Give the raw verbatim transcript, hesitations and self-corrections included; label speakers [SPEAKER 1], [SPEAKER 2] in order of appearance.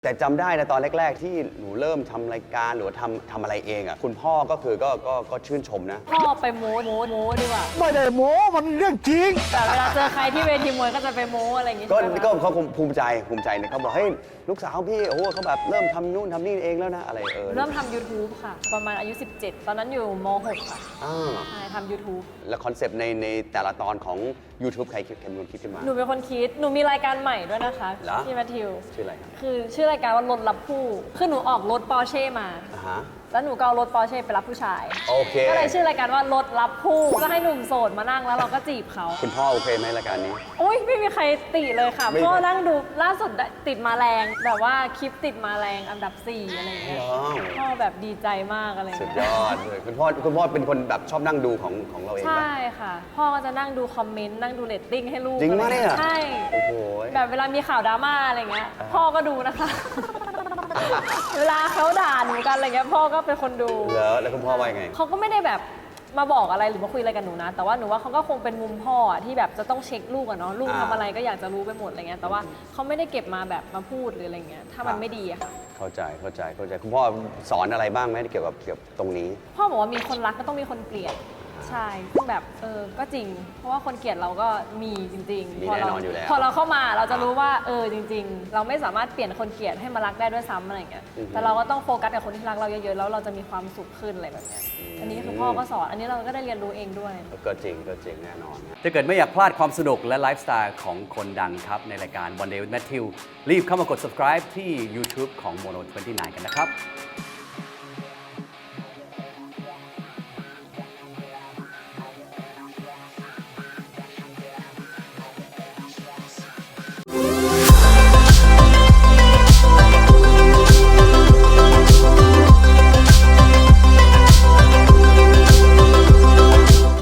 [SPEAKER 1] แต่จำได้นะตอนแรกๆที่หนูเริ่มทำรายการหรือว่าทำทำอะไรเองอ่ะคุณพ่อก็คือก็ก็ก็ชื่นชมนะ
[SPEAKER 2] พ่อไปโม้โม้โม้ดีกว่า
[SPEAKER 3] ไม่ได้โม้มันเรื่องจริง
[SPEAKER 2] แต่เวลาเจอใครที่เวทีมวยก็จะไปโม้อะไรอย่างงี้
[SPEAKER 1] ก็
[SPEAKER 2] ใช่ไหม
[SPEAKER 1] ก็เขาคงภูมิใจภูมิใจเนี่ยเขาบอกเฮ้ยลูกสาวพี่โอ้โหเขาแบบเริ่มทำนู่นทำนี่เองแล้วนะอะไรเออ
[SPEAKER 2] เริ่มทำ YouTube ค่ะ ประมาณอายุ สิบเจ็ด ตอนนั้นอยู่ม หก ค่ะ
[SPEAKER 1] อ่า
[SPEAKER 2] ใช่ทำ YouTube
[SPEAKER 1] แล้วคอนเซปต์ในในแต่ละตอนของ YouTube ใครคิดใครเป็นคนคิดขึ้นมา
[SPEAKER 2] หนูเป็นคนคิด หนูมีรายการใหม่ด้วยนะคะ
[SPEAKER 1] เหรอ
[SPEAKER 2] พี่แมทธิว
[SPEAKER 1] ชื่ออะไรครับ
[SPEAKER 2] คือชื่อรายการว่ารถรับผู้ คือหนูออกรถปอร์เช่มา
[SPEAKER 1] อ่าฮะ
[SPEAKER 2] แล้วหนูก็เอารถปอร์เช่ไปรับผู้ชาย
[SPEAKER 1] โอเค
[SPEAKER 2] ก็เลยชื่อรายการว่ารถรับผู้ ก็ให้หนุ่มโสดมานั่งแล้วเราก็จีบเขา
[SPEAKER 1] คุณพ่อโอเคไหมรายการนี้
[SPEAKER 2] โอ้ยไม่มีใครติเลยค่ะ
[SPEAKER 1] ไม่
[SPEAKER 2] พ่อนั่งดูล่าสุดติดมาแรง แบบว่าคลิปติดมาแรงอันดับสี่อะไรอย่างเงี้ย
[SPEAKER 1] ว้าว
[SPEAKER 2] พ่อแบบดีใจมากอะไร
[SPEAKER 1] สุด
[SPEAKER 2] เงี้
[SPEAKER 1] ย
[SPEAKER 2] ย
[SPEAKER 1] อดเลยคุณพ่อคุณพ่อเป็นคนแบบชอบนั่งดูของของเราเอง
[SPEAKER 2] ใช่
[SPEAKER 1] ปะ
[SPEAKER 2] ค่ะ พ่อก็จะนั่งดูคอมเมนต์นั่งดูเรตติ้งให้ลูก
[SPEAKER 1] จริงปะเนี่ย
[SPEAKER 2] ใช่
[SPEAKER 1] โอ้โห
[SPEAKER 2] แบบเวลามีข่าวดราม่าอะไรเงี้ย
[SPEAKER 1] อ่า
[SPEAKER 2] พ่อก็ดูนะคะ เวลาเขาด่าหนูกันอะไรเงี้ยพ่อก็เป็นคนดู
[SPEAKER 1] แล้วแล้วคุณพ่อว่ายังไง
[SPEAKER 2] เขาก็ไม่ได้แบบมาบอกอะไรหรือมาคุยอะไรกับหนูนะ แต่ว่าหนูว่าเขาก็คงเป็นมุมพ่ออะที่แบบจะต้องเช็คลูกอะเนาะลูก
[SPEAKER 1] อ่า
[SPEAKER 2] ทำอะไรก็อยากจะรู้ไปหมดอะไรเงี้ยแต่ว่าเขาไม่ได้เก็บมาแบบมาพูดหรืออะไรเงี้ยถ้ามันไม่ดีอะค่ะ
[SPEAKER 1] เข้าใจเข้าใจเข้าใจคุณพ่อสอนอะไรบ้างไหมเกี่ยวกับเกี่ยวกับตรงนี้
[SPEAKER 2] พ่อบอกว่ามีคนรักก็ต้องมีคนเกลียดใช่ซึ่งแบบเออก็จริง เพราะว่าคนเกลียดเราก็มีจริง
[SPEAKER 1] มี
[SPEAKER 2] ๆพอ
[SPEAKER 1] แน่
[SPEAKER 2] เรา
[SPEAKER 1] นอนอยู่แล้ว
[SPEAKER 2] พอเราเข้ามาเราจะรู้ว่าเออจริง ๆ เราไม่สามารถเปลี่ยนคนเกลียดให้มารักได้ด้วยซ้ำอะไรเงี้ย
[SPEAKER 1] อือฮึ
[SPEAKER 2] แต่เราก็ต้องโฟกัสกับคนที่รักเราเยอะๆแล้วเราจะมีความสุขขึ้นอะไรแบบเนี้ยอันนี้คือพ่อก็สอนอันนี้เราก็ได้เรียนรู้เองด้วย
[SPEAKER 1] ก็จริงก็จริงแน่นอน
[SPEAKER 4] ถ้าเกิดไม่อยากพลาดความสนุกและไลฟ์สไตล์ของคนดังครับ ในรายการ One Day with Matthew รีบเข้ามากด subscribe ที่ YouTube ของ Mono ยี่สิบเก้า กันนะครับ